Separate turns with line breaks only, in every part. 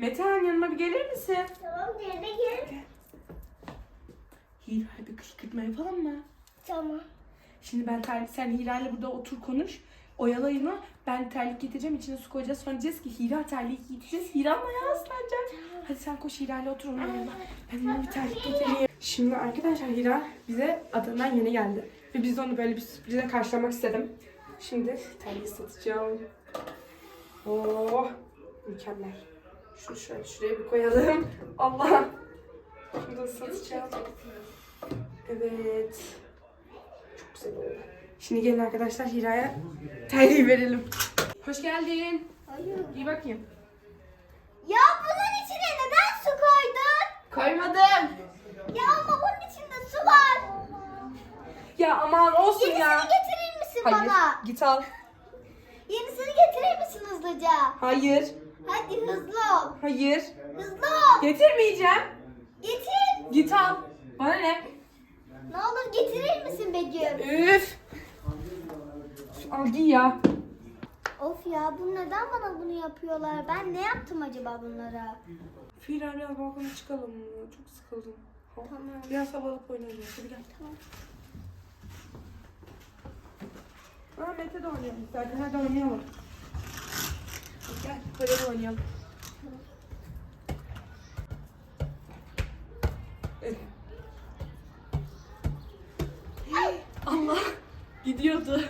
Metehan yanıma bir gelir misin?
Tamam, nerede gel.
Hira'ya bir kışkırtma yapalım mı?
Tamam.
Şimdi sen Hira'yla burada otur konuş. Oyalayın onu. Ben terlik getireceğim. İçine su koyacağız. Sonra diyeceğiz ki Hira terliği giyeceğiz. Hira ayağı ıslanacak. Hadi sen koş Hira'yla otur onun yanına. Ben ona bir terlik getireyim. Şimdi arkadaşlar Hira bize Adana'dan yeni geldi. Ve biz de onu böyle bir sürprize karşılamak istedim. Şimdi terliği satacağım. Oh, mükemmel. Şunu şöyle şuraya bir koyalım. Allah. Şunu da satacağım. Evet. Çok güzel oldu. Şimdi gelin arkadaşlar Hira'ya terliği verelim. Hoş geldin.
Hayır.
İyi bakayım.
Ya bunun içine neden su koydun?
Koymadım.
Ya ama bunun içinde su var.
Ya aman olsun
Yenisini
ya.
getirir misin
Hayır.
bana?
Git al.
Yenisini getirir misin hızlıca?
Hayır.
Hadi hızlı ol.
Hayır.
Hızlı ol.
Getirmeyeceğim.
Getir.
Git al. Bana ne?
Ne olur getirir misin Begüm?
Üf. Al giy ya.
Of ya, bu neden bana bunu yapıyorlar? Ben ne yaptım acaba bunlara?
Hira biraz balkona çıkalım mı? Çok sıkıldım.
Tamam.
Biraz havalık oynayacağız. Hadi gel.
Tamam.
Mete de oynayalım. Zaten hadi oynayalım. Gel böyle oynayalım. Allah gidiyordu.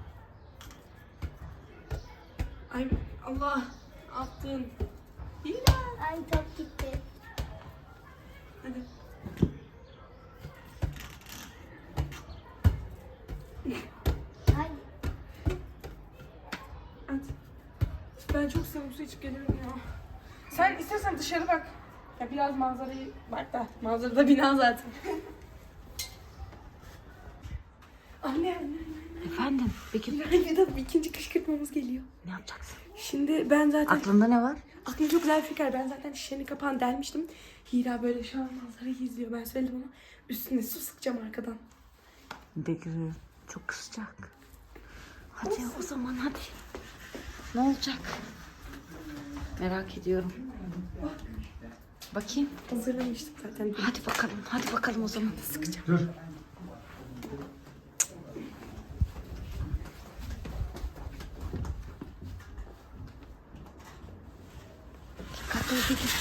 Ay Allah attın. Hira.
Ay, top gitti.
Hadi.
Ay.
At. Ben çok sıvı su içip geliyorum ya. Sen istersen dışarı bak. Ya biraz manzarayı bak da. Manzarada bina zaten. Anne.
Efendim, peki
Hira ikinci kışkırtmamız geliyor.
ne yapacaksın?
Şimdi ben zaten...
Aklında ne var?
Aklımda çok güzel bir fikir. Ben zaten şişenin kapağını delmiştim. Hira böyle şu an manzarayı izliyor. Ben söyledim ona. Üstüne su sıkacağım arkadan.
Bekir çok kızacak. Hadi o zaman hadi. Ne olacak? Merak ediyorum. Bakayım.
Hazırlamıştım zaten.
Hadi bakalım o zaman.
Sıkacağım.
Dur.
Dikkatli ol Bekir.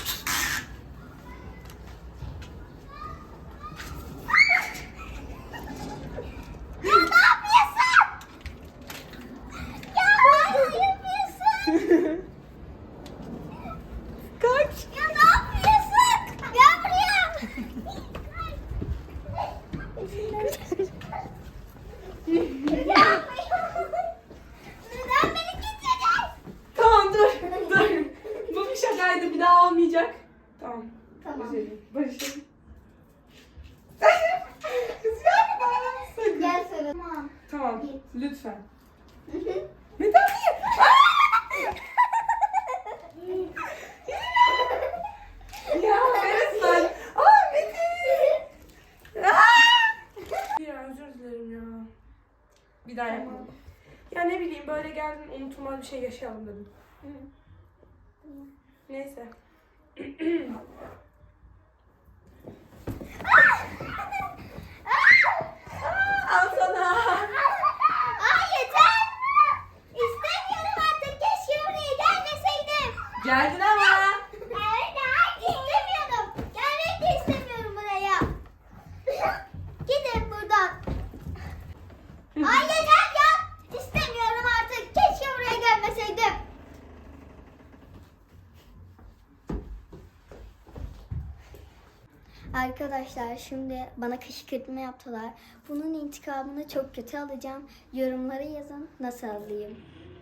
Kaç.
Ya ne yapıyorsun? Gel buraya. Neden beni getirdin?
Tamam dur. Dur. Bu bir şakaydı. Bir daha olmayacak. Tamam.
Tamam.
Barışalım. Kız yapma. Sakın.
Gel sarıl. Tamam.
Tamam.
Git.
Lütfen.
Hı hı.
Neden niye? Ya resmen. Metin. Ya özür dilerim ya. Bir daha yapalım. Ya ne bileyim böyle geldin unutulmaz bir şey yaşayalım dedim. Neyse. Al sana.
Ay yeter. İstemiyorum artık. Keşke buraya gelmeseydim.
Geldin ama.
Evet, istemiyorum. Gelmek de istemiyorum buraya. Gidin buradan. Ay yeter ya. İstemiyorum artık. Keşke buraya gelmeseydim. Arkadaşlar şimdi bana kışkırtma yaptılar. Bunun intikamını çok kötü alacağım. Yorumlara yazın nasıl alayım.